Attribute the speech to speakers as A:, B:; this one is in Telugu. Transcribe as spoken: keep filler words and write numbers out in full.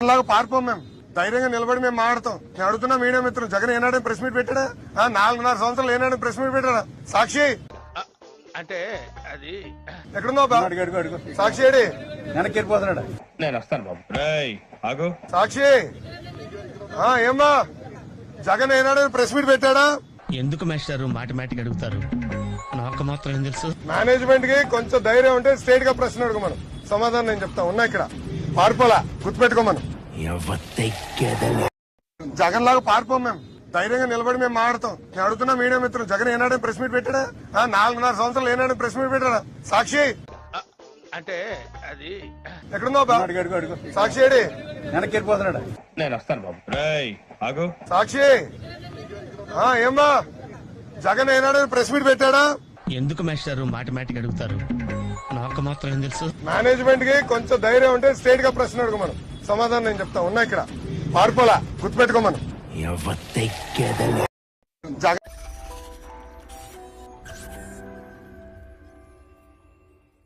A: లాగా పారిపోం మేము, ధైర్యంగా నిలబడి మేము మాట్లాడతాం. నేను అడుగుతున్నా మీడియా మిత్రులు, జగన్ ఏనాడే ప్రెస్ మీట్ పెట్టాడా? ఆ, నాలుగున్నర సంవత్సరాలు ఏనాడే ప్రెస్ మీట్ పెట్టాడా? సాక్షి
B: అంటే అది
A: ఎక్కడుందో బా? సాక్షి ఏడి?
C: వెనక్కి వెళ్ళిపోతున్నాడు.
B: నేను వస్తాను బాబు.
D: ఆగు.
A: సాక్షి ఆ ఏమ్మా, జగన్ ఏనాడే ప్రెస్ మీట్ పెట్టాడా?
E: ఎందుకు మేస్టారు మాటిమాటికి అడుగుతారు? నాకు మాత్రం ఏం తెలుసు.
A: మేనేజ్మెంట్ కి కొంచెం ధైర్యం ఉంటే స్ట్రేట్ గా ప్రశ్న అడుగు, మనం సమాధానం నేను చెప్తా. ఉన్నా ఇక్కడ పారిపోలా, గుర్తుపెట్టుకో. మనం జగన్ లాగా పారిపోం మేము, ధైర్యంగా నిలబడి మేము మాట్లాడతాం. నేను అడుగుతున్నా మీడియా మిత్రులు, జగన్ ఏనాడే ప్రెస్ మీట్ పెట్టాడా? ఆ, నాలుగున్నర సంవత్సరాలు ఏనాడే ప్రెస్ మీట్ పెట్టాడా? సాక్షి
B: అంటే అది
A: ఎక్కడుందో బా? సాక్షి ఏడి?
C: వెనక్కి వెళ్ళిపోతున్నాడు.
B: నేను వస్తాను బాబు.
D: ఆగు.
A: సాక్షి ఆ ఏమ్మా, జగన్ ఏనాడే ప్రెస్ మీట్ పెట్టాడా?
E: ఎందుకు మేస్టారు మాటిమాటికి అడుగుతారు? నాకు మాత్రం ఏం తెలుసు.
A: మేనేజ్మెంట్ కి కొంచెం ధైర్యం ఉంటే స్ట్రేట్ గా ప్రశ్న అడుగు, మనం సమాధానం నేను చెప్తా. ఉన్నా ఇక్కడ పారిపోలా, గుర్తుపెట్టుకో. మనం జగన్